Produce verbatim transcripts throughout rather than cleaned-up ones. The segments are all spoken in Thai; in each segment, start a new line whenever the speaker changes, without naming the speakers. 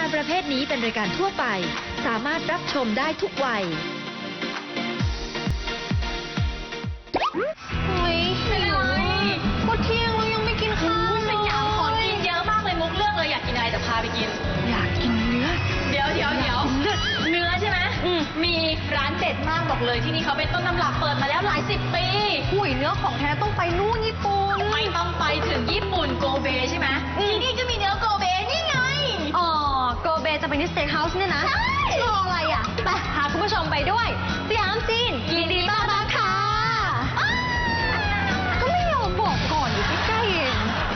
การประเภทนี้เป็นรายการทั่วไปสามารถรับชมได้ทุกวัย
เฮ้ยเป็นอะไรพอเที่ยงเรายังไม่กินข้าวสยามของกินเยอะมากเลยมุกเลือกเลยอยากกินอะไรแต่พาไปกินอยากกินเนื้อเดี๋ยวเดี๋ยวเดี๋ยวเนื้อใช่ไหมมีร้านเด็ดมากบอกเลยที่นี่เขาเป็นต้นตำรับเปิดมาแล้วหลายสิบปีหุยเนื้อของแท้ต้องไปนู่นญี่ปุ่นไม่ต้องไปถึงญี่ปุ่นโกเบใช่ไหมที่นี่ก็มีเนื้อโกเบนี่ไงอ๋อโกเบจะเป็นที่สเต็กเฮาส์เนี่ยนะใช่รออะไรอ่ะไปพาคุณผู้ชมไปด้วยสยามจีนยินดีต้อนรับค่ะก็ไม่ยอมบอกก่อนอยู่ใกล้ๆเอง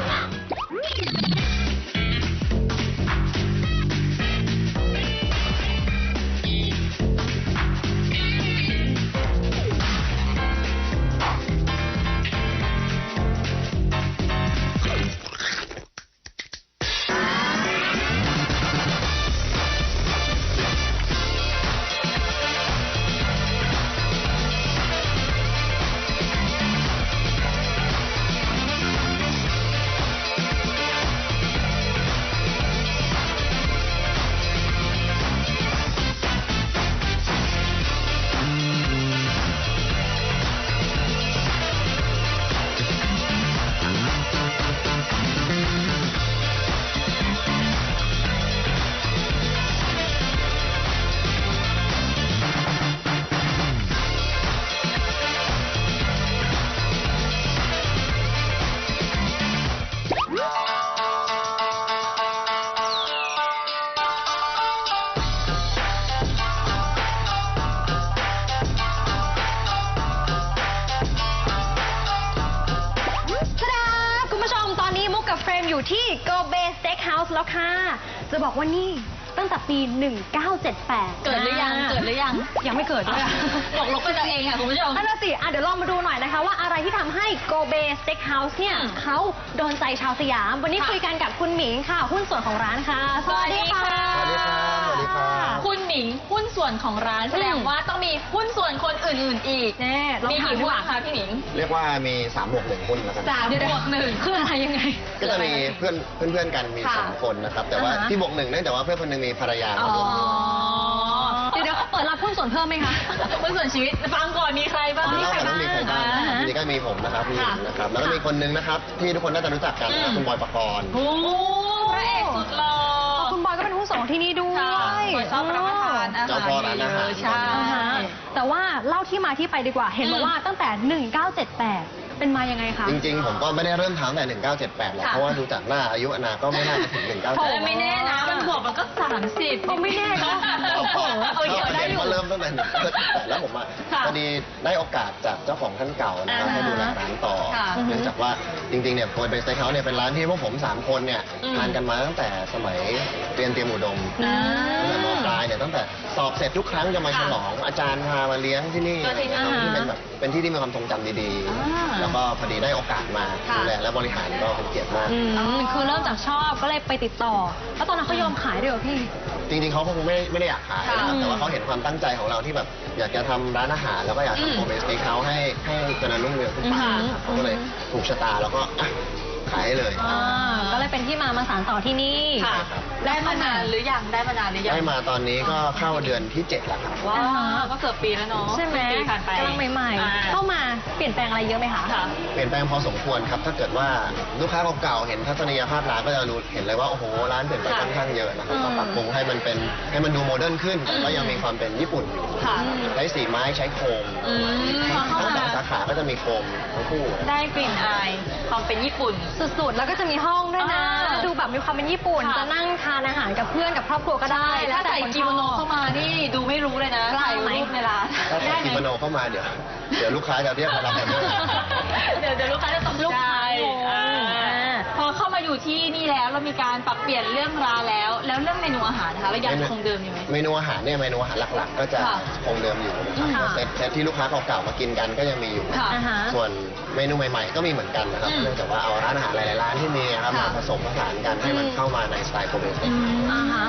อยู่ที่ Go Bay Steakhouse แล้วค่ะจะบอกว่านี่ตั้งแต่ปี หนึ่งเก้าเจ็ดแปด
เกิดหรือยังเกิดหรือยัง
ยังไม่เกิดด้วย
บอกลบกันเอาเองค่ะคุณผู้ชม
นั่นน่ะสิอ่ะเดี๋ยวลองมาดูหน่อยนะคะว่าอะไรที่ทำให้ Go Bay Steakhouse เนี่ยเขาโดนใจชาวสยามวันนี้คุยกันกับคุณหมิงค่ะหุ้นส่วนของร้านค่ะสวัสดีค่ะ
สวัสดีครับสวัสดีครับ
คุณหมิงหุ้นส่วนของร้านแสดงว่าต้องมีหุ้นส่วนคนอื่นๆอีก
แน่
มีกี่หุ้นคะพี่หมิง
เรียกว่ามีสามบวกหนึ่งหุ้นแล้วกัน
สามบวกหนึ่งคืออะไรยังไง
ก็จะมีเพื่อนเพื่อนๆกันมีสองคนนะครับแต่ว่าที่บวกหนึ่งเนื่องจากว่าเพื่อนคนหนึ่งมีภรรยา
อ๋อ
เดี๋ยวเปิดรับหุ้นส่วนเพิ่มไหมคะ
หุ้นส่วนชีวิตฟังก่อนมีใครบ้าง
มีใครบ้างมีใครบ้างนี่ก็มีผมนะครับมีนะครับแล้วก็มีคนนึงนะครับที่ทุกคนน่าจะรู้จักกันนะคุณบอยปกรณ์
โอ้พระเอกสุดหล่อ
คุณบอยก็เป็นหุ้นส่วนที่นี่ด้วย
ชอบรับประทานอาหาร
เจ้าพ่อร้านอาหาร
ใช่
แต่ว่าเล่าที่มาที่ไปดีกว่าเห็นบอกว่าตั้งแต่หนึ่งเก้าเจ็ดแปดเป็นมายังไงคะ
จริงๆผมก็ไม่ได้เริ่มทำแต่หนึ่งเก้าเจ็ดแปดหรอกเพราะว่าดูจากหน้าอายุอนาก็ไม่น่าจะถึงหนึ่งเก้าเจ็ดแปด
ไม่แน่นะมันบวกมันก็สามสิบ
ก็ไม่แน่นะ
เอาเยอะได้อยู่เริ่มตั้งแต่หนึ่งเก้าเจ็ดแปดแล้วผมอ่ะพอดีได้โอกาสจากเจ้าของท่านเก่านะครับให้ดูแลร้านต่อเนื่องจากว่าจริงๆเนี่ยโกยเบสเต็กเฮาส์เนี่ยเป็นร้านที่พวกผมสามคนเนี่ยทานกันมาตั้งแต่สมัยเรียนเตรียมอุดมตั้งแต่ม.ปลายเนี่ยตั้งแต่สอบเสร็จทุกครั้งจะมาฉลองอาจารย์พามาเลี้ยงที่นี่เป็นแบบเป็นที่ที่มีความทรงจำดีๆแล้วก็พอดีได้โอกาสมาดูแลและบริหารก็เป็นเกียรติมาก
คือเริ่มจากชอบก็เลยไปติดต่อแล้วตอนนั้นเขายอมขายด้วยเหรอพี่
จริงๆเขาคงไม่ไม่ได้อยากขายนะครับแต่ว่าเขาเห็นความตั้งใจของเราที่แบบอยากจะทำร้านอาหารแล้วก็อยากทำโกเบสเต็กเฮาส์ให้ให้เจริญรุ่งเรืองขึ้นไปเขาก็เลยถูกชะตาแล้วก็ขายเลย
ก็เลยเป็นที่มามาสานต่อที่นี่
ได้มานานหรือยังได้มานานหรือยัง
ได้มาตอนนี้ก็เข้าเดือนที่เจ็ดแล้วครับ
ว้าวก็เกือบปีแล้วเนาะ
ใช่ไหมกำลังใหม่ๆเข้ามาเปลี่ยนแปลงอะไรเยอะไหมคะ
เปลี่ยนแปลงพอสมควรครับถ้าเกิดว่าลูกค้าเก่าๆเห็นทัศนียภาพร้านก็จะรู้เห็นเลยว่าโอ้โหร้านเปลี่ยนไปค่อนข้างเยอะนะครับก็ปรับปรุงให้มันเป็นให้มันดูโมเดิร์นขึ้นก็ยังมีความเป็นญี่ปุ่นอยู่ใช้สีไม้ใช้โคมทั้งสองสาขาก็จะมีโคมทั้งคู่
ได้กลิ่นอายความเป็นญี่ปุ่น
สุดๆแล้วก็จะมีห้องด้วยนะดูแบบมีความเป็นญี่ปุ่นจะนั่งทานอาหารกับเพื่อนกับครอบครัวก็ได้
ถ้าใส่กิโมโนเข้ามานี่ดูไม่รู้เลยนะถ่ายรูปในร้าน
ถ้าใส่กิโมโนเข้ามาเดี๋ยวเดี๋ยวลูกค้าจะเรียกมารับออเดอร์
เดี๋ยวเดี๋ยวลูกค้าจะตกใจพอเข้ามาอยู่ที่นี่แล้วเรามีการปรับเปลี่ยนเรื่องร้านแล้วแล้วเรื่องเมนูอาหารนะคะเรายังคงเดิมอยู่ไหม
เมนูอาหารเนี่ยเมนูอาหารหลักๆก็จะคงเดิมอยู่นะครับเซตเซตที่ลูกค้าเก่าๆมากินกันก็ยังมีอยู่ส่วนเมนูใหม่ๆก็มีเหมือนกันนะครับเนื่องจากว่าเอาร้านอาหารหลายๆร้านที่มีครับมาผสมผสานกันให้มันเข้ามาในสไตล์โกเบส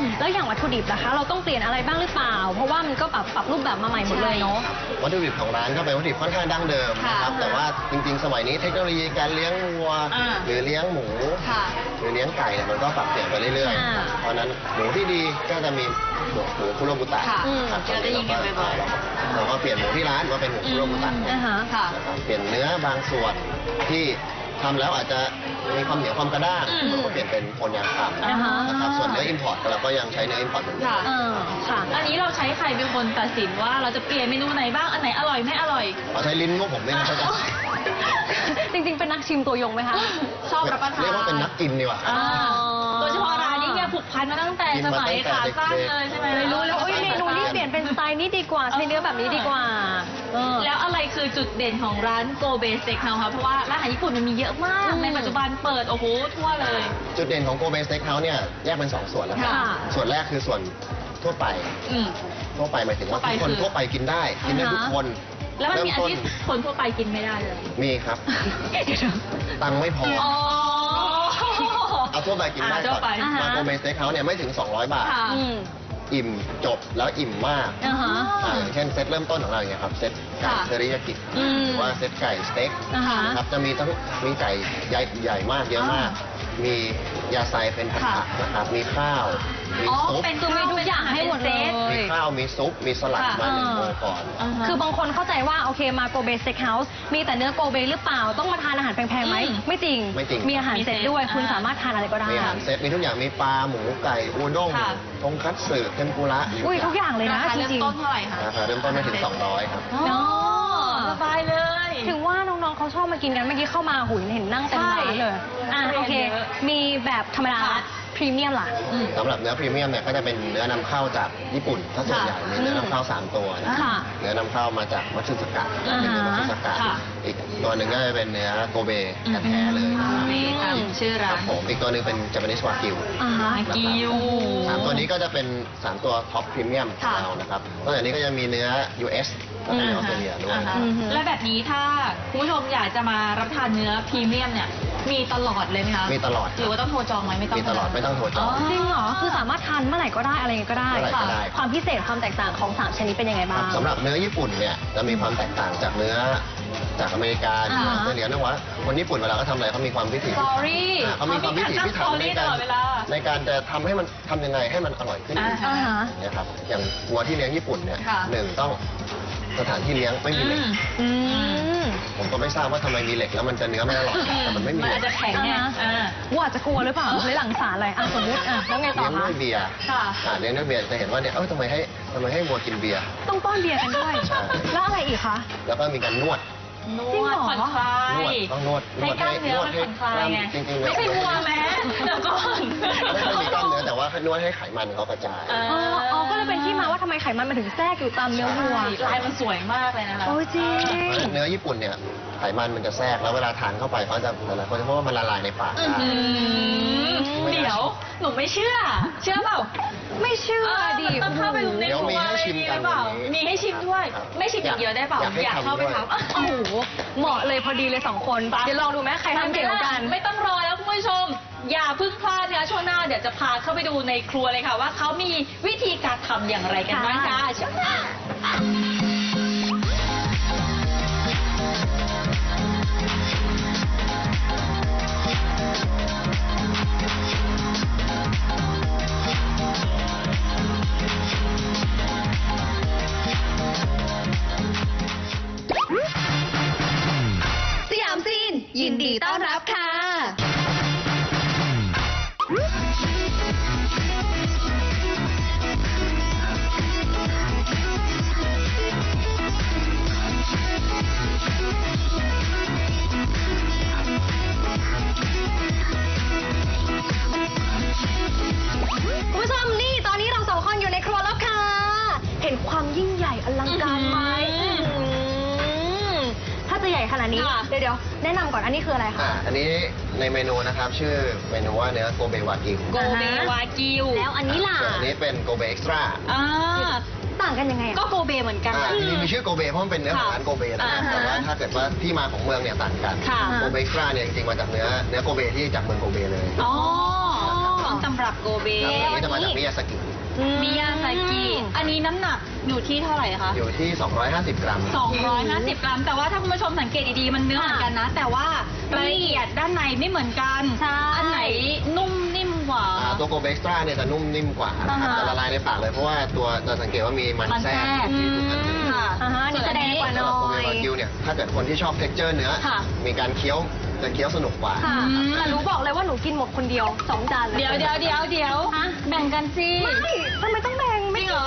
แล้วอย่างวัตถุดิบล่ะคะ เราต้องเปลี่ยนอะไรบ้างหรือเปล่า เพราะว่ามันก็ปรับปรับรูปแบบมาใหม่หมดเลยเนาะ
วัตถุดิบของร้านก็เป็นวัตถุดิบค่อนข้างดั้งเดิมนะครับ
ค่ะ
แต่ว่าจริงๆ สมัยนี้เทคโนโลยีการเลี้ยงวัว
อ่า
หรือเลี้ยงหมู
ค่ะ
หรือเลี้ยงไก่เนี่ยมันก็ปรับเปลี่ยนไปเรื่อย
อ่า
ๆ เพราะฉะนั้นหมูที่ดีก็จะมีหมูหมูคุโรบุตะ
ค่ะ
ครับ
เราได้ยินกันบ่อยๆ
เราก็เราก็เปลี่ยนหมูที่ร้านมาเป็นหมูคุโรบุตะ
อ่าฮะ
ค่ะ
นะครับเปลี่ยนเนื้อบางส่วนที่ทำแล้วอาจจะมีความเหนียวความกระด้าง
อืม
เราก็เปลี่ยนเป็นโคนยางคำ
อ่าฮะ
นะครับส่วนเนื้ออินพอร์ตเราก็ยังใช้เนื้ออินพอร์ตเหมือนเดิ
ค่ะ
ม
เออค่ะ
อันนี้เราใช้ใครเป็นคนตัดสินว่าเราจะเปลี่ยนเมนูไหนบ้าง อันไหนอร่อยไม่อร่อย
ขอใช้ลิ้นพวกผมด้วยนะครับ
จริงๆ เป็นนักชิมตัวยงไหมคะ
ชอบรับประทาน
เรียกว่าเป็นนักกินดีกว่า
อ่า
อ๋อ
โดยเฉพาะร้านนี้เนี่ยผูกพันมาตั้งแต่
กิน
ส
มา
มัย
ตั้
ขาง
แต่
สั้น
เด็กๆ
เลยใช่ไหม
เลยรู้แล้วโอ้ยเมนูนี้เปลี่ยนเป็นสไตล์นี้ดีกว่าใช้เนื้อแบบนี้ดีกว่าเออ
แล้วอะไรคือจุดเด่นของร้านโกเบสเต็กเฮาส์คะเพราะว่าร้านอาหารญี่ปุ่นมันมีเยอะมาก
อืม
ในปัจจุบันเปิดโอ้โหทั่วเลย
จุดเด่นของโกเบสเต็กเฮาส์เนี่ยแยกเป็นสองส่วนแล้วครับ
ค่ะ
ส่วนแรกคือส่วนทั่วไป
อืม
ทั่วไปหมายถึงว่า
ทั่วไป
ทุกคน
คือ
ทั่วไปกินได้ กินได้ทุกคน
แล้วมันมีอัน
เริ่ต้
ที่คนทั่วไปกินไม่ได้เลย
มีครับ ตังค์ไม่พอ
อ๋อ
เอาทั่วไปกินได้
อ่าทั่
ก่
ว
อน
ไป
มาโกเบสเต็กเฮาส์เนี่ยไม่ถึง สองร้อย บาท
ค่ะ
อืม
อิ่มจบแล้วอิ่มมาก
อ่าฮะ
อ่าอย่างเช่นเซตเริ่มต้นของเราอย่างเงี้ยครับเซตไก่
ค่ะ
เทอริยากิ
อืม
หรือว่าเซตไก่สเต็ก
อ่าฮะ
นะครับจะมีทั้งมีไก่ใหญ่ใหญ่มากเยอะมาก มียาไซเป็นผัด
ค่ะ
ผักนะครับมีข้าวมี
อ๋อ
ซุป
เป็น
คือมีทุกอย่างให้หมดเลย
มีข้าวมีซุปมีสลัด
ค่ะ
มาหนึ่ง
อ่า
โมก่อน
าฮะ
คือบางคนเข้าใจว่าโอเคมาโกเบสเต็กเฮาส์มีแต่เนื้อโกเบหรือเปล่าต้องมาทานอาหารแพงๆไหม
อืม
ไม่จริง
ไม่จริง
มีอาหารเสร็จด้วย
มีเซต
คุณ
อ่า
สามารถทานอะไรก็ได้
มีอาหารเซตมีทุกอย่างมีปลาหมูไก่อูด้ง
ค่ะ
ทงคัตสึเทมปุระ
อุ้ยทุกอย่างเลยนะ
ราคา
จ
เริ่ม
ริง
ต้นเท่าไหร่คะ
ราคาเริ่มต้นไม่ถึง สองร้อย ครับ
อ๋อ
เนาะ
สบายเลย
ถึงว่าน้องๆเขาชอบมากินกันเมื่อกี้เข้ามาหุยเห็นนั่งเต็มร้านเลยอ่ะ
ใช่
โอเค
เยอะ
มีแบบธรรมดา
ค่ะ
พรีเมียมล่ะ
อืม
สำหรับเนื้อพรีเมียมเนี่ยก็จะเป็นเนื้อนำเข้าจากญี่ปุ่นถ้าส่วนใหญ่มีเนื้อนำเข้าสามตัวนะ
ค่ะ
เนื้อนำเข้ามาจากมัตสึสกะ
อ่าฮะ
เป็นเนื้อมัตสึสกะ
ค่ะ
อีกตัวหนึ่งก็จะเป็นเนื้อโกเบแท้ๆเลยนะครับ
นี่ตามชื่อ
ค
ร้า
รับ
น
ผมอีกตัวหนึ่งเป็นจ a ป a นิสวากิว
อ่าฮะ
วากิว
สามตัวนี้ก็จะเป็นสามตัวท็อปพรีเมียมของ
ค่ะ
เรานะครับนอกจากนี้ก็จะมีเนื้อ ยู เอส และเนื้อออสเตรเลียด้วย
อ่าฮะ
อือฮึ
และแบบนี้ถ้าคุณผู้ชมอยากจะมารับประทานเนื้อพรีเมียมเนี่ย มีตลอดเลยไหมคะ
มีตลอด
หรือว่าต้องโทรจองไหมไม่ต้อง
มีตลอดไม่ต้องโทรจอง
จริงเหรอ คือสามารถทานเมื่อไหร่ก็ได้อะไรยังไงก็ได้
เมื่อไหร่ก็ได้
ความพิเศษความแตกต่างของสามชนิดเป็นยังไงบ้าง
สำหรับเนื้อญี่ปุ่นเนี่ยจะมีความแตกต่างจากเนื้อจากอเมริกาหรือออสเตรเลียเนื่องว่าคนญี่ปุ่นเวลาเขาทำอะไรเขามีความพิถี
ส
พิ
ต
ถั
อน รี่
อ่าเขามีความพิถีพิถันใน
ต
การ
ลอดเวลา
ในการจะทำให้มันทำยังไงให้มันอร่อยขึ้น
อ่า
อ่าฮะ
เนี่ยครับอย่างวัวที่เลี้ยงญี่ปุ่นเนี่ย
ค่ะ
หนึ่งต้องสถานที่เลี้ยงไม่มีเหล็ก
อืม
ผมก็ไม่ทราบว่าทำไมมีเหล็กแล้วมันจะเนื้อไม่อร่อยแต่มันไม่มี
มัน
เหล็
อาก จจะแข็งไง
อ่าฮะ
อ่า
ว่าอาจจะกลัวหรือเปล่าเลยหลังสารอะไรอ่ะสมมติอ่ะแล้วไงต่อ
เลี้ยง
คะ
ด้วยเบียร์
ค่ะ
อ่าเลี้ยงด้วยเบียร์จะเห็นว่าเนี่ยเอ้ยทำไมให้ทำไมให้วัวกินเบียร์
ต้องป้อนเบียร์กันด้วย
ใช่
แล้วอะไรอีกคะ
แล้วก็มีการนวด
น
จริง
ว
เหร
ด
อ
ผ่อนคลาน
วด
ย
ต้องนวด
ให้กล้ามเนื้อมันผ่อนคลายไง
จริงๆ
ไม่ใช่วัวแม้เดี๋ยวก่อน
ไม่ค่อยมีกล้ามเนื้อแต่ว่านวดให้ไขมันเขากระจาย
เอ
อ๋ออ๋อก็เลยเป็นที่มาว่าทำไมไขมันมันถึงแทรกอยู่ตามเนื้อวัว
ลายมันสวยมากเลยนะคะ
โอ้ยจริง
เนื้อญี่ปุ่นเนี่ยไขมันมันจะแทรกแล้วเวลาทานเข้าไปเขาจะหลายๆคนจะพูดว่ามันละลายในปาก
อื้อ
ได้
หือเดี๋ยว หนูไม่เชื่อ เชื่อเปล่า
ไม่เชื่อดิ
เออมันต้องเข้าไปใน
เดี๋ยว
ครั
มี
ว
ให้
อะไร
ชิม
นี้
กั
ห
น
รือเปล่า
วันนี้
มีให้ชิมด้วย
ครับ
ไม่ชิมอย่างเดียวได้เปล่า
อยากให้
อยาก
ทำ
เข้าไป
ด้วย
ทำอ่ะ
โอ้โหเหมาะเลยพอดีเลยสองคนเดี๋ยวลองดูไหมใครทำเก่งกว่ากัน
ไม่ต้องรอแล้วคุณผู้ชม อย่าเพึ่งพลาดนะคะช่วงหน้าเดี๋ยวจะพาเข้าไปดูในครัวเลยค่ะ ว่าเขามีวิธีการทำอย่างไรกันบ้างค่ะช่วงหน้า
สยามซีน ยินดีต้อนรับค่ะ
คุณผู้ชมนี่ตอนนี้เราสองคนอยู่ในครัวแล้วค่ะ เห็นความยิ่งใหญ่อลังการไหม
อื้อหือ
มถ้าจะใหญ่ขนาดนี้
ค่ะ
เดี๋ยวเดี๋ยวแนะนำก่อนอันนี้คืออะไรคะ
อ่าอันนี้ในเมนูนะครับชื่อเมนูว่าเนื้อโกเบวากิว
โกเบวากิว
แล้วอันนี้ล่ะ
ส่วนอันนี้เป็นโกเบเอ็กซ์ตร้า
อ่า
ต่างกันยังไงอะ
ก็โกเบเหมือนกัน
อ่า
นะ
จริงๆมีชื่อโกเบเพราะมันเป็นเนื้อของร้านโกเบนะครับ
อ่าฮะ
แต่ว่าถ้าเกิดว่าที่มาของเมืองเนี่ยต่างกัน
ค่ะ
โกเบเอ็กซ์ตร้าเนี่ยจริงๆมาจากเนื้อเนื้อโกเบที่จากเมืองโกเบเลย
อ๋อต้นตำรับโกเบ
ครับอันนี้จะมาจากมิยาสกิ
มิยาซากิอันนี้น้ำหนักอยู่ที่เท่าไหร่คะ
อยู่ที่ สองร้อยห้าสิบ กรัม
สองร้อยห้าสิบ กรัม แต่ว่าถ้าคุณผู้ชมสังเกตดีๆ มันเนื้อเหมือนกันนะ แต่ว่ารายละเอียดด้านในไม่เหมือนกัน
ใช่
อันไหนนุ่มนิ่มกว่า
อ่าตัวโกเบกซ์ตร้าเนี่ยจะนุ่มนิ่มกว่านะครับ
อ่าฮะ
จะละลายในปากเลยเพราะว่าตัวจะสังเกตว่ามีมัน
มัน
แทร
แทร
ก
ก
ที่ทุกอัน
อืมค่ะ
อ่าฮะนี่แสดงกว่า
สำห
น้
รับ
อ
โกเบ
ย
วากิวเนี่ยถ้าเกิดคนที่ชอบเท็กเจอร์เนื้อ
ค่ะ
มีการเคี้ยวจะเคี้ยวสนุกกว่า
ค่ะ
อืม
แต่หนูบอกเลยว่าหนูกินหมดคนเดียวสองจานเลย
เดี๋ยวเดี๋ยวเดี๋ยวเดี๋ยว
ฮะ
แบ่งกันสิ
ไม่ทำไมต้องแบ่ง
จ
ไม่
ริงเหรอ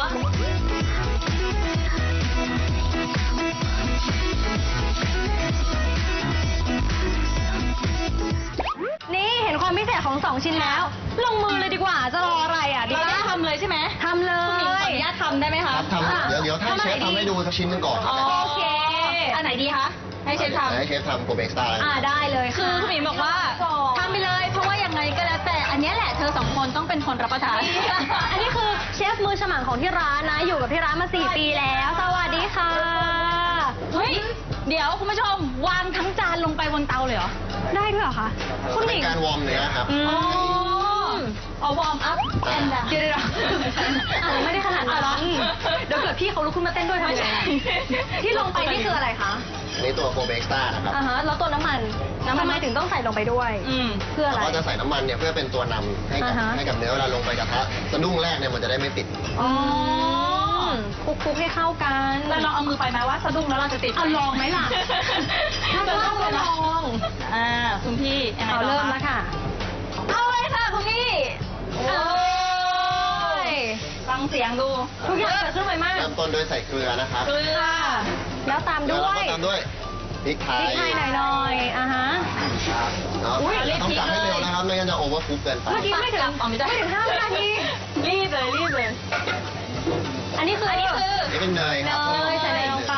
นี่เห็นความพิเศษของสองชิ้นแล้ว ลงมือเลยดีกว่าจะรออะไรอ่ะดี
เราได้
ปะ
ทำเลยใช่ไหม
ทำเล
คุณหญิงขอย อนุญาตทำได้ไหม
ค
คะ
รับทำเดี๋ยวเดี๋ยวถ้าเชฟทำให้ดูสักชิ้นหนึงก่อน
อ๋อ
นะครับ
โอเค อันไหนดีคะ ให้เชฟทำ
ให้เชฟทำโกเบกซ์ตร้าแล้ว
อ่าได้เลย
คือคุณหมิงบอกว่าทำไปเลย เพราะว่ายังไงก็แล้วแต่ อันเนี้ยแหละเธอสองคนต้องเป็นคนรับประทาน
อันนี้คือเชฟมือฉมังของที่ร้านนะ อยู่กับที่ร้านมาสี่ปีแล้ว สวัสดีค่ะ
เฮ้ย เดี๋ยวคุณผู้ชมวางทั้งจานลงไปบนเตาเลยเหรอ
ได้ด้วยเหรอคะคุณห
เป็
มิ
น
ง
การวอร์มเนื้อครับ
อืม
อ๋อเอาวอร์มอัพแอนด์ดาว
เดี๋ยวเดี๋ยวอ่ะไม่ได้ขนาดนั้นเดี๋ยวเกิดพี่เขาลุกขึ้นมาเต้นด้วยทำไงที่ลงไปนี่คืออะไรคะ
อันนี้ตัวโกเบกซ์ตร้านะครับ
อ่าฮะแล้วตัวน้ำมันน้ำมันทำไมถึงต้องใส่ลงไปด้วย
อืม
เพื่ออะไร
เราก็จะใส่น้ำมันเนี่ยเพื่อเป็นตัวนำให้กับ
อ่าฮะ
ให้กับเนื้อเวลาลงไปกระทะสะดุ้งแรกเนี่ยมันจะได้ไม่ติด
อ๋อคลุกๆให้เข้ากัน
เราลองเอามือไปไหมว่าสะดุ้งแล้วเราจะติด
เอาลองไหมล่ะ ถ้า
จะ
ลองก็ลอง
อ่าคุณพี่ยังไง
เอา
ต่อ
เริ่ม
คะ
แล้วค่ะ
เอาเลยค่ะคุณพี่
โอ้ย
ฟังเสียงดู
ทุกอย่างเกิดขึ้นไวมาก
เริ่มต้นด้วยใส่เกลือนะครับ
เกลือ
แล้วตาม
แล้ว
ด้
เรา
วย
ก็ตามด้วยพริกไท
พริ
ย
กไทยหน่อยหน่อยๆอ่ะฮะ
เนาะ
อุ๊ย
ต้องจับให้เร็วนะครับไม่งั้นจะโอเวอร์คุกเกินไป
เมื่อกี้ไม่ถึง
อ๋อไม่ได้
ไม่ถึงห้าวินาที
รีบเลยรีบเลย
อันนี้คือ
อั
อั
นนี้คือ
นี่เป็นเนยครับ
เนยใส่เนยลงไป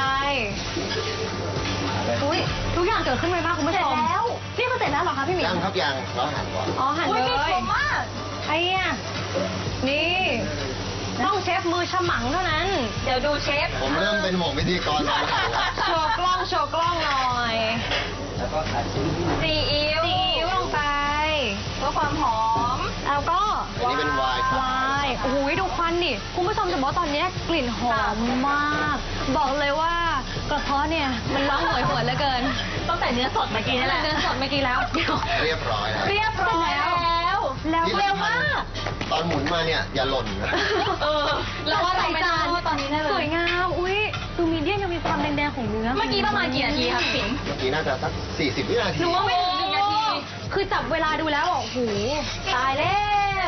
อุ้ยทุกอย่างเกิดขึ้นไวมากคุณผู้ชม
เสร็จแล้ว
นี่คือเสร็จแล้วเหรอคะพี่หมิ
ยังครับยังเราหั่นก่อน
อ๋อหั่น
อุ๊
เลย
มี
ย
ผมมาก
ไอ้เนี่ยนี่ต้องเชฟมือฉมังเท่านั้น
เดี๋ยวดูเชฟ
ผมเริ่มเป็นหมวกพิธีกรทำอาหารแล้ว
โชว์กล้องโชว์กล้องหน่อย
ซีอิ๊ว
ซีอิ๊วลงไป
เพื่อความหอม
แล้วก็
อันนี้เป็นไวน์ครับ
ไวน์โอ้โหดูควันดิคุณผู้ชมจะบอกว่าตอนนี้กลิ่นหอมมาก บอกเลยว่ากระเพาะเนี่ยมันร้องโหยหวนเหลือเกิน
ต้องใส่เนื้อสดเมื่อกี้นี่แหละ
เดินสดเมื่อกี้แล้วเดี๋ยว
เรียบร้อยแล้ว
เรียบร้อยแล้ว
แล้ว
ที่
เร็ว
สำคัญ
มาก
ตอนหมุนมาเนี่ยอย่าหล่นนะ
เออแล้วว่าเราไม่ได้ว่าตอนนี้แน่เล
สวย ยงาม อุ้ยดูมีเดียมยังมีความแดงๆของเนื้อ
เมื่อกี้ประมาณกี่นาทีครับปิ่น
เมื่อกี้น่าจะสักสี่สิบวินาที
หนูว่าไม่ถึงหนึ่งนาที คือจับเวลาดูแล้วบอกโอ้โหตายแล้ว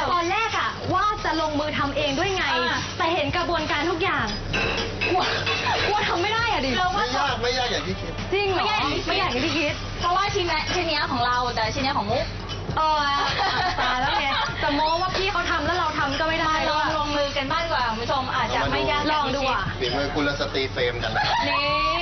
ตอนแรกอะว่าจะลงมือทำเองด้วยไง
อ่า
แต่เห็นกระบวนการทุกอย่างกลัวกลัวทำไม่ได้อะดิ
ไม่ยากไม่ยากอย่างที่คิด
จริงเหรอ
ไม่ยากอย่างที่คิด
ไม่อยากอย่างที่คิด
เพราะว่าชิ้นนี้ชิ้นเนี้ยของเราแต่ชิ้นเนี้ยของมุก
เออตายแล้วไงแต่โม้ว่าพี่เขาทำแล้วเราทำก็ไม่ได้
ล
แล้ว
อง
อะ
ลงมือกันบ้างดีกว่าคุณผู้ชมอาจจะไม่ยาก
ลองดูอ่ะ
ฝีมือกุลสตรีเฟรมกันนะครับ
นี่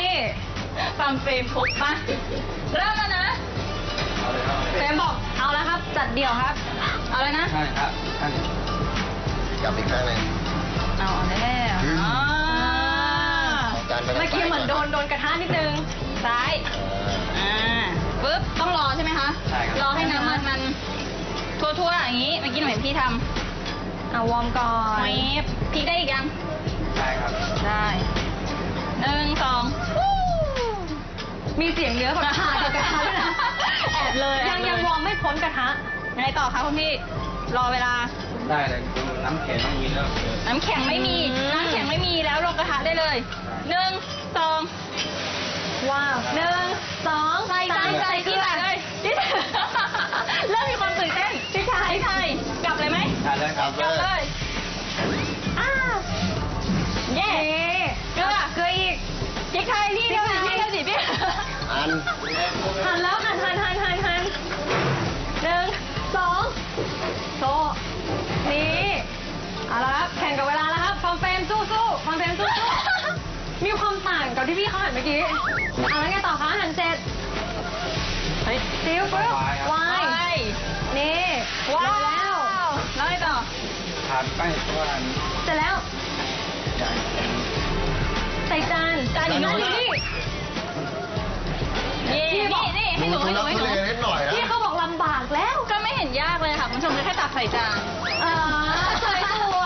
ฟังเฟรมปุ๊บมาเริ่มแล้วนะ
เฟรมบอกเอาแล้วครับ จัดเดี่ยวครับ
เอาเลยนะ
ใช่ครับท่าน
กลับอีกครั้งหนึง
เอาแน่ๆ
อืม
อ่า
เอาจานไปทาง
เมื่อกี้เหมือนโดนโดนกระทะนิดนึง
ซ้าย อ่าปึ๊บ ต้องรอใช่ไหมคะ
ใช่ครับ
รอให้น้ำมันมันทั่วๆอย่างนี้ เมื่อกี้หนูเห็นพี่ทำ
เอาวอร์มก่อน
ไม่พริกได้อีกยัง
ใช่ครับ
ได้หนึ่งสองวู้
มีเสียงเนื้อแบบขาดกับกระทะด้วยนะ
แอบเลยแอ
ยั
บ
ง
เล
ยังวอร์มไม่พ้นกระทะ
ไงต่อคะคุณพี่ รอเวลา
ได้เลยดูน้ำแข็งต้องมีแล้วเดี๋ยว
น้ำแข็งไม่มี
อืม
น้ำแข็งไม่มีแล้วลงกระทะได้เลยหนึ่งสอง
ว้าวหนึ่งสอง
ใส่ใส่ใส่ที่ไหนเลยที่เริ่มมีความตื่นเต้นพี่ชายพี่ชายกลับเลยไหม
ได้เลย
ค
ค
รั
รั
บบ
กลับ
เล
เลย ย
อ้าว
เย้
นี่
เกลือ
เกลืออีก
พริกไทยพี่เดียวสิพี่เดียวสิพี่
อัน
หั่นแล้วหั่นหั่นหั่นหั่นหั่นหนึ่งสองโซนี่เอาละครับแข่งกับเวลาแล้วครับฟอร์มเฟรมสู้สู้ฟอร์มเฟรมสู้สู้มีความต่างกับที่พี่เขาหั่นเมื่อกี้เอาแล้วไงต่อคะหั่นเสร็จ
เฮ้ย
ซิลปุ๊บวา
ไป
ยนี่
ว้า
เร็วแล้ว
วแล้วไงต่อ
ทานไปเพราะว่า
เสร็จแล้ว
ใหญ่
ใส่จาน
จานอยู่นู่น
นี่
นี่นี่นี่ให้หนู
ดู
ให้หนู
ทุ
ให้หนู
ลักทุเลนิดหน่อยนะ
พี่เขาบอกลำบากแล้ว
ก็ไม่เห็นยากเลยค่ะคุณผู้ชมแค่ตักใส่จาน
อ่าสวยสวย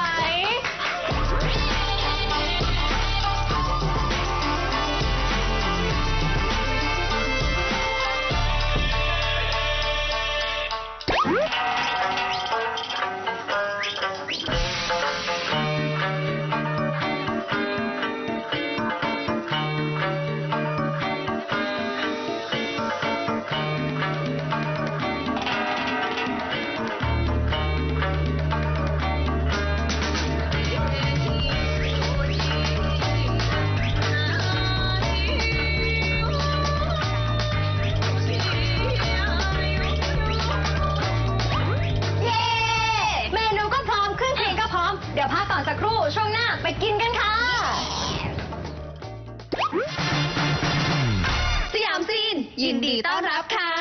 เย้เมนูก็พร้อมเครื่องเคียงก็พร้อม เดี๋ยวพักก่อนสักครู่ช่วงหน้าไปกินกันค่ะ สยามซีน ยินดีต้อนรับค่ะ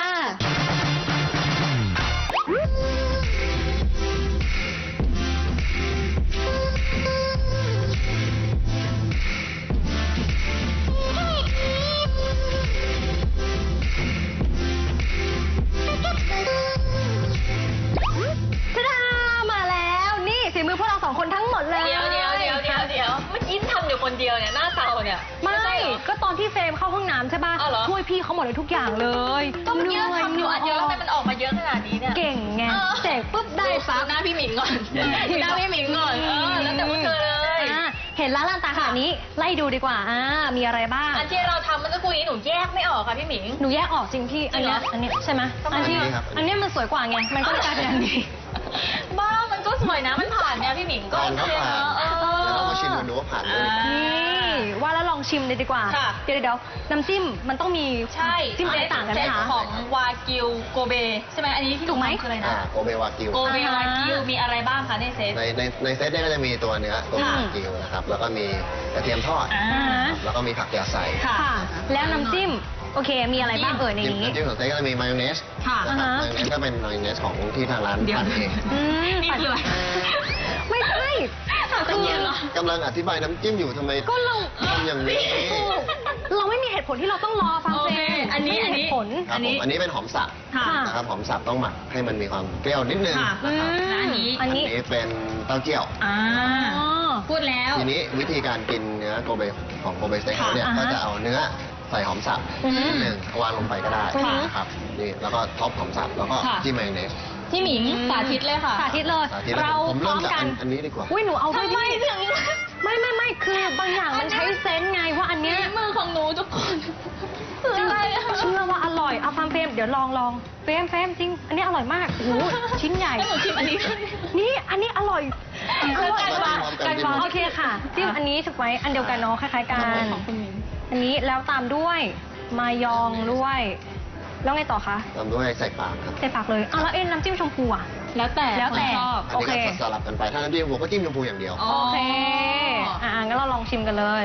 ทะดามาแล้วนี่ฝีมือพวกเราสองคนทั้งหมดเลย
เดี๋ยวเดี๋ยวเดี๋ยวเดี๋ยวเดี๋ยวเมื่อกี้ทำอยู่คนเดียวเนี่ยหน้าเตาเนี่ย
ไม่
ใช่เหรอ
ก็ตอนที่เฟรมเข้าห้องน้ำใช่ป่ะ
อ้าวเหรอ
ช่วยพี่เขาหมดเลยทุกอย่างเลย
ก็เมื่อกี้เราทำอยู่อันเดียวแล้วทำไมมันออกมาเยอะขนาดนี้เนี่ย
เก่งไง
เออ
เสกปุ๊บได้
ดู
ปั๊บ
หน้าพี่หมิงก่อนดูหน้าพี่หมิงก่อนเออแล้วแต่พวกเธอเลย
อ่าเห็นร้านลานตาขนาดนี้ไล่ดูดีกว่าอ่ามีอะไรบ้าง
อันที่เราทำเมื่อสักครู่นี้หนูแยกไม่ออกค่ะพี่หมิง
หนูแยกออกจริงพี่ อันเนี้ย
จริงเหรอ
อันเนี้ยใช่ไหม
ทำไม
อันที่
อันนี้ครับ
อันเนี้ยมันสวยกว่าไง มันก็เลยกลายเป็นอันนี้
บ้ามันก็สวยนะมันผ่านเนี่ยพี่หมิงก็
ก่อน
โอ
ก็
เค
ผ่าน
เนอะเออ
แล้วเรามาชิมกันดูว่าผ่านไหม
อ่า
นี่ว่าแล้วลองชิมเลยดีกว่า
ค่ะ
เดี๋ยวเดี๋ยวน้ำจิ้มมันต้องมี
ใช่
จิ้มอะไรต่างกันไหม
เซต
คะ
ของวากิวโกเบใช่ไหมอันนี้ที่
ถูกไหม
ทำคืออะไร
อ่า
นะ
โกเบวากิว
โกเบวากิวมีอะไรบ้างคะในเซต
ในในในเซตเนี่ยก็จะมีตัวเนื้อโกเบวากิวนะครับ แล้วก็มีกระเทียมทอด
อ่า
อ่า
แล้วก็มีผักยาใส่
ค่ะ
ค่ะ แล้วน้ำจิ้ม โอเค มีอะไรบ้างเอ่ยใน
จิ้ม
นี้
น้ำจิ้มของเซตก็จะมีมายองเนส
ค่ะ
นะครับ
อ่าฮะ
มายองเนสก็เป็นมายองเนสของที่ทางร้าน
เดี๋ยว
ทำเอง
อืม
นี่คืออะไร
ไม่ใช่
ตะเกียบเหรอ
กำลังอธิบายน้ำจิ้มอยู่ทำไม
ก็เรา
ทำอย่างนี้
เราไม่มีเหตุผลที่เราต้องรอฟัง
โอ
เฟ
เค
รม
อันนี้
ไม่มีเหตุผล
ครับผมอันนี้เป็นหอมสับ
ค่ะ
นะครับหอมสับต้องหมักให้มันมีความเปรี้ยวนิดนึง
ค่ะ
นะครับ
อืม
อันนี้
อันนี้
อันนี้เป็นเต้าเจี้ยว
อ่า
อ๋อ
พูดแล้ว
ทีนี้วิธีการกินเนื้อโกเบของโกเบสเต็กเขาเนี่ย
ค่ะ
ก็
อ่าฮะ
จะเอาเนื้อใส่หอมสับ
อืม
นิดหนึ่งวางลงไปก็ได้
ค่ะ
นะครับนี่แล้วก็ท็อปหอมสับแล้วก็
ค่ะ
จิ้มมายองเนส
พี่หมิงสาธิตเลยค่ะ
สาธิตเลย
สาธิตแล้ว
เรา
ผม
พร้
เริ่
อ
ม
ม
จาก
กั
อั
น
นอันนี้ดีกว่า
อุ้ยหนูเอาด้วย
ทำไม
ดิ
ถึง
ไม่ไม่ไม่คือบางอย่างมันใช้เซนส์ไงว่าอันเนี้ย
มือของหนูทุกคนคืออะไรอะ
เชื่อว่าอร่อยเอาฟังเฟรมเดี๋ยวลองลองเฟรมเฟรมจริง อันนี้อร่อยมากโอ้โหชิ้นใหญ่
ให้หนูชิมอันนี้ด้วย
นี่อันนี้อร่อย
เอา
อร่อย
กัน
มาก
กัน
โอเคค่ะจิ้มอันนี้ถูกไหมอันเดียวกันเนาะคล้ายๆกัน
ของคุณหมิง
อันนี้แล้วตามด้วยมายองด้วยแล้วไงต่อคะ
ตามด้วยใส่ปากครับ
ใส่ปากเลยอ้าวแล้วเอ็นน้ำจิ้มชมพูอ่ะ
แล้วแต่
แล้วแต่
คนชอบ
อัน
โอ
นี้
เค
ก็สลับกันไปถ้าน้ำจิ้มชมพูก็จิ้มชมพูอย่างเดียว
อ๋อ
โอเคอ่างั้นเราลองชิมกันเลย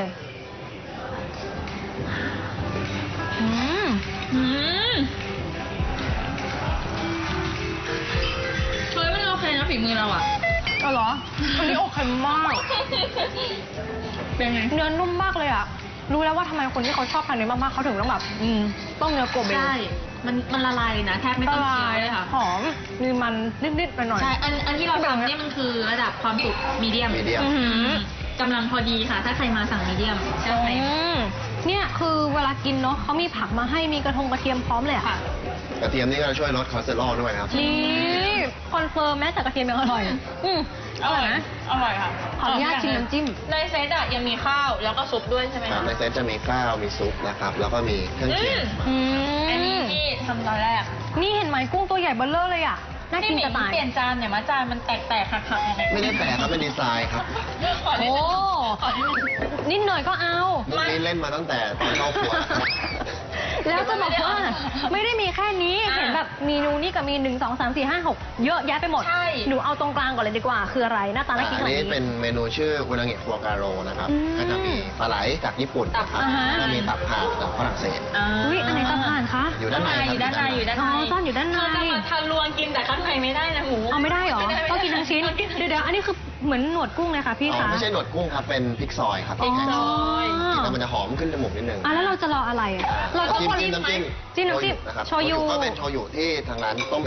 อืม
อืมเฮ้ยมันโอเคนะฝีมือเราอะ
เอาเหรออันนี้โอเคมาก
เป็นไง
เนื้อนุ่มมากเลยอ่ะ รู้แล้วว่าทำไมคนที่เขาชอบทานเนื้อมากๆเขาถึงต้องแบบ อืม ต้องเนื้อโกเบ
ใช่ มันมันละลายเลยนะ แทบไม่ต้องเคี้ยวเลยค่ะ
หอม มีมันนิดๆไปหน่อย
ใช่ อันอันที่เราทำเนี่ยมันคือระดับความสุกมีเดียม
medium
อื้อหือ
กำลังพอดีค่ะ ถ้าใครมาสั่งมีเดียมใช่ไหม
อืมเนี่ยคือเวลากินเนาะเขามีผักมาให้มีกระทงกระเทียมพร้อมเลยอะ
ค่ะ
กระเทียมนี่ก็จะช่วยลดคอเลสเตอรอลด้วยนะครับ
นี่คอนเฟิร์มแม้แต่กระเทียมยังอร่อย อืมอร่อยนะ
อร่อยค่ะ
ขออนุญาตชิมน้ำจิ้ม
ในเซตอะยังมีข้าวแล้วก็ซุปด้วยใช่ไหม
ครับ
คะ
ในเซตจะมีข้าวมีซุปนะครับ แล้วก็มีเครื่องเคียง
อืม
อันนี้ที่ทำตอนแรก
นี่เห็นไหมกุ้งตัวใหญ่เบ้อเลอเลยอ่ะ น่ากินจะตาย
เปลี่ยนจานเนี่ยมาจานมันแตกๆหักๆยังไง
ไม่ได้แปลกครับเป็นดีไซน์ครับ
ขอนิด
โอ้
นึงขอนิดนึง
นิดหน่อยก็เอา
มุกนี้เล่นมาตั้งแต่ตอนเข้าครัวนะครับ
แล้วจะบอกว่าไม่ได้มีแค่นี้
อ่า
เห็นแบบเมนูนี่กับมีหนึ่งสองสามสี่ห้าหกเยอะแยะไปหมด
ใช่
หนูเอาตรงกลางก่อนเลยดีกว่า คืออะไร หน้าตาน่ากินข
อัน
นาด
นี้
นี้
เป็นเมนูชื่ออุนาเงะฟัวการโรนะครับ
อืม
ก็จะมีปลาไหลจากญี่ปุ่นนะครับ
อ่าฮะ
แล้วมีตับห่านจากฝรั่งเศส
อุ้ยอันไหนตาผ่านคะ
อยู่ด้านใน
อยู่ด้านในอยู่ด้านใน
อ๋อซ่อนอยู่ด้านใน
เธอจะมาทะลวงกินแต่ข้างในไม่ได้นะหมู
เอาไม่ได้เหรอ ต้องกินทั้งชิ้น เดี๋ยวเดี๋ยวอันนี้คือเหมือนหนวดกุ้งเลยค่ะพี่
อ๋อ
คะ
ไม่ใช่หนวดกุ้งครับ เป็นพริกซอยครับ
พริกซอย
อ๋อ
แต่มันจะหอมขึ้นจมูกนิดนึง
อ่ะแล้วเราจะรออะไรอ่ะ เราต้อง
จิ้ม
คน
จิ้มน้ำจิ้ม
จิ้มน้ำจิ้ม
นะครับ
โชยุ
ก็เป็นโชยุที่ทางร้านต้มเอง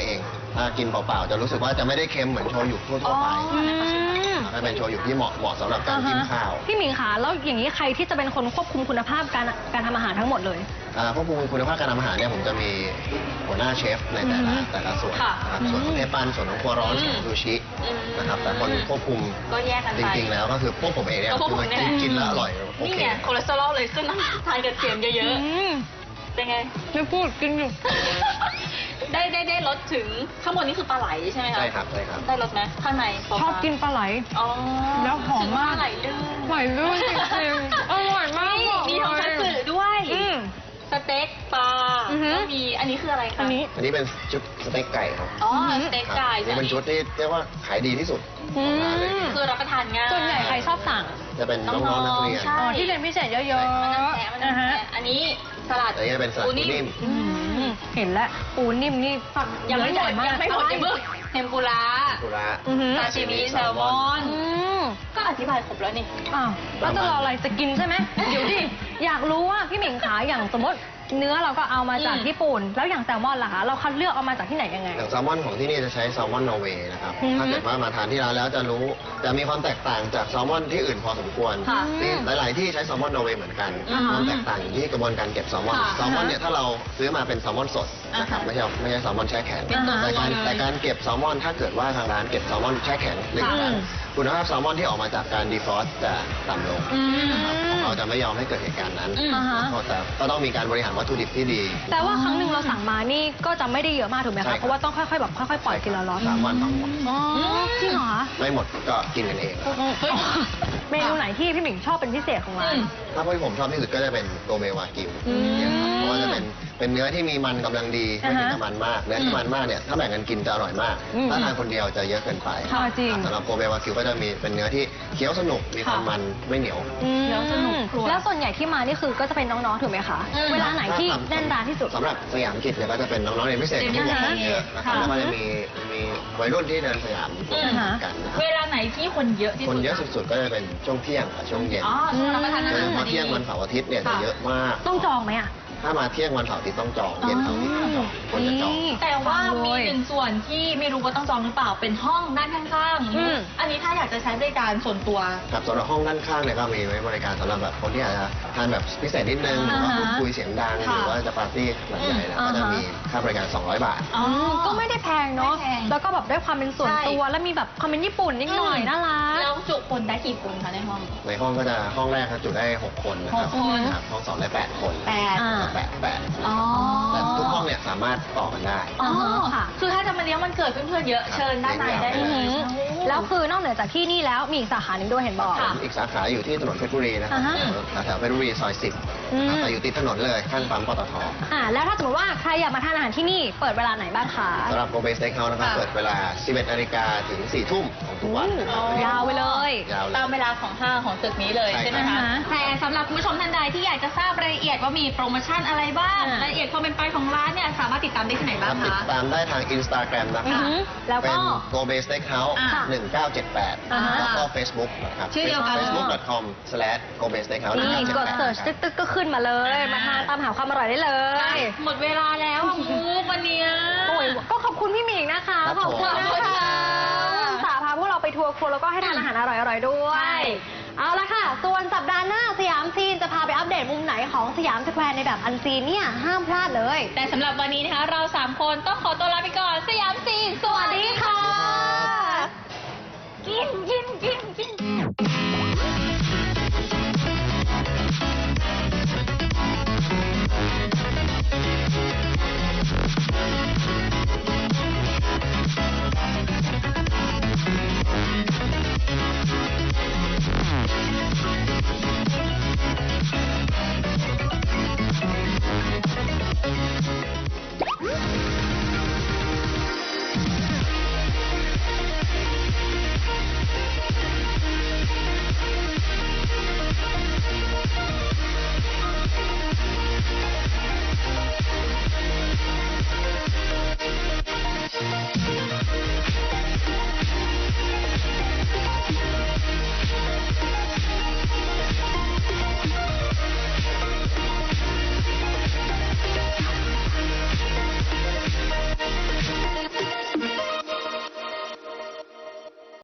ถ้ากินเปล่าๆจะรู้สึกว่าจะไม่ได้เค็มเหมือนโชยุทั่วๆไป
อืม
ถ้าเป็นโชยุที่เหมาะเหมาะสำหรับการกินข้าว
พี่หมิงคะแล้วอย่างนี้ใครที่จะเป็นคนควบคุมคุณภาพการการทำอาหารทั้งหมดเลย
อ่าควบคุมคุณภาพการทำอาหารเนี่ยผมจะมีหัวหน้าเชฟในแต่ละแต่ละส่วน
ค่ะ
นะครับส่วนของเทปันส่วนของครัวร้อน
อืม
ส่วนของซูชิ
อืม
นะครับแต่คนควบคุม
ก็แยกกัน
จ
ไป
ริงๆแล้วก็คือพวกผมเองเนี่ย
ก็พวก
คือ
ผม
มัน
เนี่ย
กินกินแล้วอร่อยโอ
นี่
เค
ไงคอเลสเตอรอลเลยขึ้นนะทานกระเทียมเยอะๆเป็นไง
ไม่พูดกินอยู่
ได้ได้ได้รสถึงข้างบนนี่คือปลาไหลใช่ไหมคะ
ใช่ครับใช่ครับ
ได้รสไหมข้างในปลา
ชอบกินปลาไหล
อ๋อ
แล้วหอมมาก
ถึงปลาไหลลื่น
ไหลลื่นจริงๆอร่อยมาก
นี่
บอก
มีของ
เล
คัตสึ
ย
ด้วย
อืม
สเต็กปลา
อือฮึ
ก็มีอันนี้คืออะไรคะ
อันนี้
อันนี้เป็นชุดสเต็กไก่ครับ
อ๋อ
อือฮึ
สเต็ก
ครับ
ไก่
นี่เป็นชุดที่เรียกว่าขายดีที่สุด
อื
ของร้านเลย
ม
คือรับประทานง่าย
ส่วนใหญ่ใครชอบสั่ง
จะเป็นน้องๆนักเรียน
ใช่
อ๋อที่เรียนพิเศษเยอะ
มันน้ำ
ๆ
แข็งมัน
นะ
น้ำ
ฮะ
แข็งอันนี้สลัด
อันนี้เป็นสลัดปูนิ่ม
อืมเห็นแล้วปูนิ่มนี่ฝัก
ยังไม่หม
ใหญ่
ด
มาก
ยังไม่หมดยังไม่หมดเทมปุระ
กุระ
อือหือ
ซาชิมิแซลมอน
อืม
ก็อธิบายครบแล้วนี่
อ้าวแล้วจะรออะไรจะกินใช่ไหม เดี๋ยวดิ อยากรู้ว่าพี่หมิงขาอย่างสมมติเนื้อเราก็เอามาจาก
อืม
ญี่ปุ่น แล้วอย่างแซลมอนล่ะคะ เราคัดเลือกเอามาจากที่ไหนยังไง
อย่างแซลมอนของที่นี่จะใช้แซลมอนนอร์เวย์นะครับ
อือฮึ
ถ้าเกิดว่ามาทานที่ร้านแล้วจะรู้จะมีความแตกต่างจากแซลมอนที่อื่นพอสมควร
ค่ะ
ที่หลาย ๆ ที่ใช้แซลมอนนอร์เวย์เหมือนกัน
อ่าฮะ
ความแตกต่างอยู่ที่กระบวนการเก็บแซลมอน
ค่ะ
แซลมอนเนี่ยถ้าเราซื้อมาเป็นแซลมอนสดนะครับ
อ่าฮะ
ไม่ใช่ไม่ใช่แซลมอนแช่แข็ง
เป็นตัว
แต่การ
เลย
แต่การเก็บแซลมอนถ้าเกิดว่าทางร้านเก็บแซลมอนแช่แข็งหนึ่ง
ค่ะ
ครั้งคุณภาพแซลมอนที่ออกมาจากการดีฟรอสต์จะต่ำลง
อืม
นะครับของเราจะไม่ยอมให้เกิดเหตุการณ์นั้น
อืม
อ่าฮะ
แต่ก็ต้องมีการบริหารวัตถุดิบที่ดี
แต่ว่าครั้งหนึ่งเราสั่งมานี่ก็จะไม่ได้เยอะมากถูกไหม
ใช่ครั
คะ
บ
เพราะว่าต้องค่อยๆแบบค่อยๆปล่อยทีละล็อต
สามวันต้องหมด
อ๋อจริงเหรอ
ไม่หมดก็กินกันเอง
เมนูไหนที่พี่หมิงชอบเป็นพิเศษของร้าน
อืม
ถ้าที่ผมชอบที่สุดก็จะเป็นโกเมวากิว
อืม
เนี่ยครับเพราะว่าจะเป็นเป็นเนื้อที่มีมันกำลังดีไม่มี
อ่าฮะ
น้ำมันมากเนื้อที่มันมากเนี่ยถ้าแบ่งกันกินจะอร่อยมาก
อืม
ถ้าทานคนเดียวจะเยอะเกินไป
ค่ะจริง
สำหรับโกเมวากิวก็จะมีเป็นเนื้อที่เคี้ยวสนุกมีความมันไม่เหนียว
อืม
แล้วสนุกครัว
แล้วส่วนใหญ่ที่มานี่คือก็จะเป็นน้องๆถูกไหมคะ
อืม
เวลาไหนที่แน่นร้านที่สุด
สำหรับสยามกิจเนี่ยก็จะเป็นน้องๆเรียนพิเศษ
เรียน
ที่
พิ
บ
เศ
ว
ษ
กเยอะนะครับ
ค่ะ
แล้วก็จะมีมีวัยรุ่นที่เดินสยาม
อืม
กันนะครับ
เวลาไหนที่คนเยอะที่
คน
สุด
เยอะสุดๆก็จะเป็นช่วงเที่ยงกับช่วงเย็น
อ๋อช่วงรับประทานอา
โดย
หาร
เฉ
พอ
พาะ
ดี
เที่ยงวันเสาร์อาทิตย์เนี่ยจะ
ค่ะ
เยอะมาก
ต้องจองไหมอ่ะ
ถ้ามาเที่ยงวันเสาร์อาทิตย์ต้องจองเย็นเสาร์อาทิตย์ต้องจองคนจะจอง
แต่ว่า
ฟัง
มี
เลย
หนึ่งส่วนที่ไม่รู้ว่าต้องจองหรือเปล่าเป็นห้องด้านข้าง
อืม
ๆอันนี้ถ้าอยากจะใช้บริการส่วนตัว
ครับสำหรับห้องด้านข้างเนี่ยก็มีไว้บริการสำหรับแบบคนที่อาจจะทานแบบพิเศษนิดนึงหรือว่า
อ่าฮะ
พูดคุยเสียงดังห
ค่ะ
รือว่าจะปาร์ตี้หลังใหญ่นะ
อืม
ก็จะ
อ่าฮะ
มีค่าบริการ สองร้อย บาท
อ๋อ
มก็ไม่ได้แพงเนาะ
ไม่แพง
แล้วก็แบบได้ความเป็นส่วน
ใช่
ตัว แล้วมีแบบความเป็นญี่ปุ่นนิดหน่อย
อืม
น่ารัก
แล้วจุคนได้กี่คนคะในห้อง
ในห้องก็จะห้องแรกครับจุได้หกคนนะครับ
หกคน
ครับห้องสองได้แปดคน
แปด
อ่า
แปดแปด
อ๋อ
แต่ทุกห้องเนี่ยสามารถต่อกันได้
อ๋อ
ค่ะ
คือถ้าจะมาเลี้ยงวันเกิดเพื่อนๆเยอะ
ครับ
เชิญด้านในได้เล
อือหื
ย
อแล้วคือนอกเหนือจากที่นี่แล้วมีอีกสาขาหนึ่งด้วยเห็นบอก
ผมอีกสาขาอยู่ที่ถนนเพชรบุรีนะครับ
อ่าฮะ
แถวๆเพชรบุรีซอยสิบ
อืม
แต่อยู่ติดถนนเลยข้างปั๊มปตท
อ่าแล้วถ้าสมมติว่าใครอยากมาทานอาหารที่นี่เปิดเวลาไหนบ้างคะ
สำหรับโกเบสเต็กเฮาส์นะครับ
ค่ะ
เปิดเวลา สิบเอ็ดนาฬิกาถึง สี่ทุ่มของทุกวันนะครับ
ยาวไปเลย
ยาวเลย
ตามเวลาของห้างของตึกนี้เลย
ใช่
ใช่ไหม
ครั
คะ
บ
แต่สำหรับคุณผู้ชมท่านใดที่อยากจะทราบรายละเอียดว่ามีโปรโมชั่นอะไรบ้าง
อ่าร
ายละเอียดความเป็นไปของร้านเนี่ยสามารถติดตามได้ที่ไหน
ค
บ้า
รั
ง
บติด
คะ
ตามได้ทาง Instagram นะค
อื
รั
อบ หือแล้ว
เป็
ก็
น Go Base Steakhouse
อ่า
หนึ่งเก้าเจ็ดแปด
อ่า
แล้วก็ Facebook นะครับ
ชื่อเดียวกัน
facebook dot com slash go base steakhouse
นี่กดเสิร์ชตึ๊กตึ๊กก็ขึ้นมาเลย มาทานตามหาความอร่อยได้เลย
หมดเวลาแล้วอะมูกวันเนี้ย
โอ้ยก็ขอบคุณพี่หมิงนะคะ
ครับ
ขอบคุณ
ผม
นะคะสาพาพวกเราไปทัวร์ครัวแล้วก็ให้ทานอาหารอร่อยๆด้วย เอาละค่ะ ส่วนสัปดาห์หน้าสยามซีนจะพาไปอัปเดตมุมไหนของสยามสแควร์ในแบบอันซีนเนี่ยห้ามพลาดเลย
แต่สำหรับวันนี้นะคะเราสามคนต้องขอตัวลาไปก่อน สยามซีนสวัสดีค่ะ กินกินกิน